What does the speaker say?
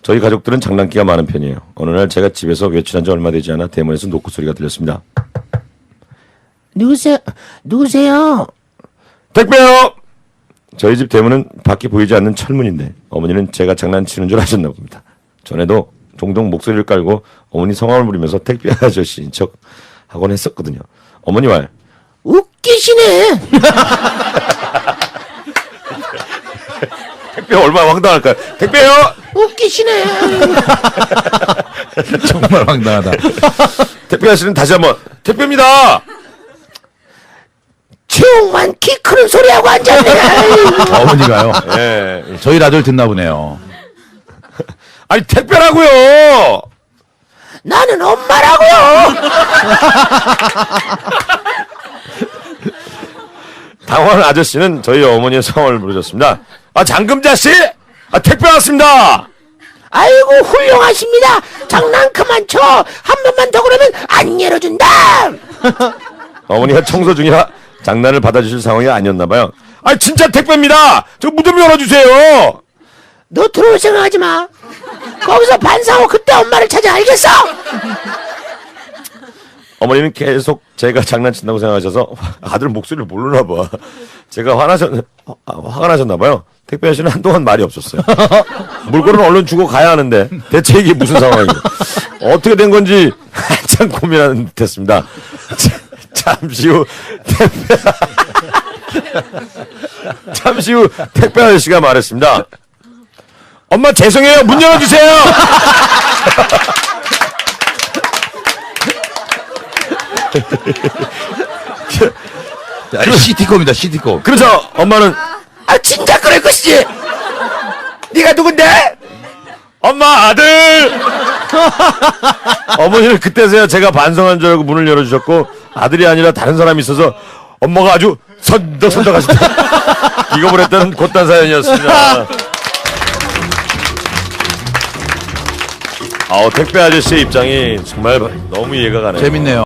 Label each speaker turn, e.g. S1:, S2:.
S1: 저희 가족들은 장난기가 많은 편이에요. 어느 날 제가 집에서 외출한 지 얼마 되지 않아 대문에서 노크 소리가 들렸습니다.
S2: 누구세요?
S1: 택배요! 저희 집 대문은 밖이 보이지 않는 철문인데 어머니는 제가 장난치는 줄 아셨나 봅니다. 전에도 종종 목소리를 깔고 어머니 성함을 부르면서 택배 아저씨인 척 하곤 했었거든요. 어머니 말.
S2: 웃기시네.
S1: 택배 얼마나 황당할까요? 택배요!
S2: 웃기시네.
S3: 정말 황당하다.
S1: 택배 아저씨는 다시 한번 택배입니다!
S2: 최홍만 키 크는 소리하고 앉았네.
S3: 어머니가요.
S1: 예.
S3: 저희 라디오를 듣나 보네요.
S1: 아니 택배라고요!
S2: 나는 엄마라고요.
S1: 당황한 아저씨는 저희 어머니의 성함을 부르셨습니다. 아 장금자씨! 아 택배 왔습니다!
S2: 아이고 훌륭하십니다. 장난 그만 쳐. 한 번만 더 그러면 안 열어준다.
S1: 어머니가 청소 중이라 장난을 받아주실 상황이 아니었나봐요. 아 진짜 택배입니다! 저 무덤 열어주세요!
S2: 너 들어올 생각하지 마. 거기서 반성하고 그때 엄마를 찾아. 알겠어?
S1: 어머니는 계속 제가 장난친다고 생각하셔서 아들 목소리를 모르나봐. 제가 화가 나셨나봐요. 택배 아저씨는 한동안 말이 없었어요. 물건은 얼른 주고 가야 하는데 대체 이게 무슨 상황이에요? 어떻게 된 건지 한참 고민하는 듯했습니다. 잠시 후 택배 아저씨가 말했습니다. 엄마 죄송해요. 문 열어주세요.
S3: 시티콤입니다. 시티콤.
S1: 그래서 엄마는
S2: 아 진짜 그럴 것이지. 네가 누군데?
S1: 엄마 아들. 어머니는 그때서야 제가 반성한 줄 알고 문을 열어주셨고 아들이 아니라 다른 사람이 있어서 엄마가 아주 선덕선덕하셨다. 기겁을 했던 곧단 사연이었습니다. 택배 아저씨의 입장이 정말 너무 이해가 가네요.
S3: 재밌네요.